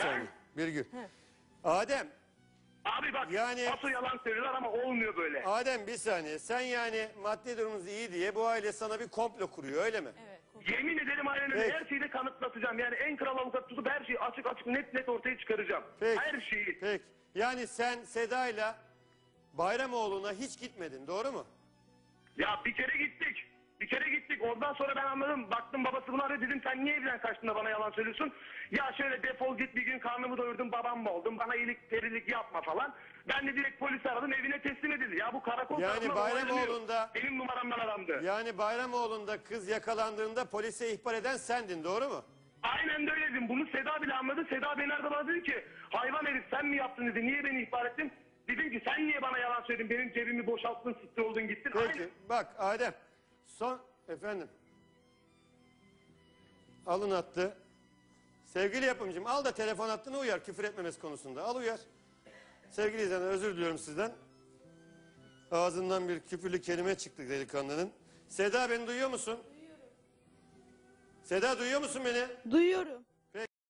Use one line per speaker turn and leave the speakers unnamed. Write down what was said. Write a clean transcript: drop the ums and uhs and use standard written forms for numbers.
saniye. Birgül. Adem.
Abi bak
Yani-
asıl yalan söylüyorlar ama olmuyor böyle.
Adem bir saniye. Sen yani maddi durumunuz iyi diye bu aile sana bir komplo kuruyor öyle mi?
Evet.
Yemin ederim aynen öyle.
Peki.
Her şeyi de kanıtlatacağım. Yani en kral avukat tutup her şeyi açık açık net ortaya çıkaracağım.
Peki.
Her şeyi.
Peki. Yani sen Seda'yla Bayramoğlu'na hiç gitmedin doğru mu?
Ya bir kere gittik. Bir kere gittik. Ondan sonra ben anladım. Baktım babası bunu arıyor. Dedim sen niye evden kaçtın da bana yalan söylüyorsun? Ya şöyle defol git, bir gün karnımı doyurdum, babam mı oldum? Bana iyilik perilik yapma falan. Ben de direkt polisi aradım, evine teslim edildi. Ya bu karakol
Yani
tarafından
Bayramoğlu'nda-
olaylanıyor. Benim numaramdan arandı.
Yani Bayramoğlu'nda kız yakalandığında polise ihbar eden sendin doğru mu?
Aynen de öyle dedim. Bunu Seda bile anladı. Seda beni aradı, bana dedi ki hayvan herif sen mi yaptın dedi. Niye beni ihbar ettin? Dedim ki sen niye bana yalan söyledin? Benim cebimi boşalttın, siktir oldun gittin.
Peki
Aynen.
bak Adem. Efendim. Alın attı. Sevgili yapımcım al da telefon hattını uyar küfür etmemesi konusunda. Al uyar. Sevgili izleyenler özür diliyorum sizden. Ağzından bir küfürlü kelime çıktı delikanlının. Seda beni duyuyor musun? Duyuyorum. Seda duyuyor musun beni?
Duyuyorum.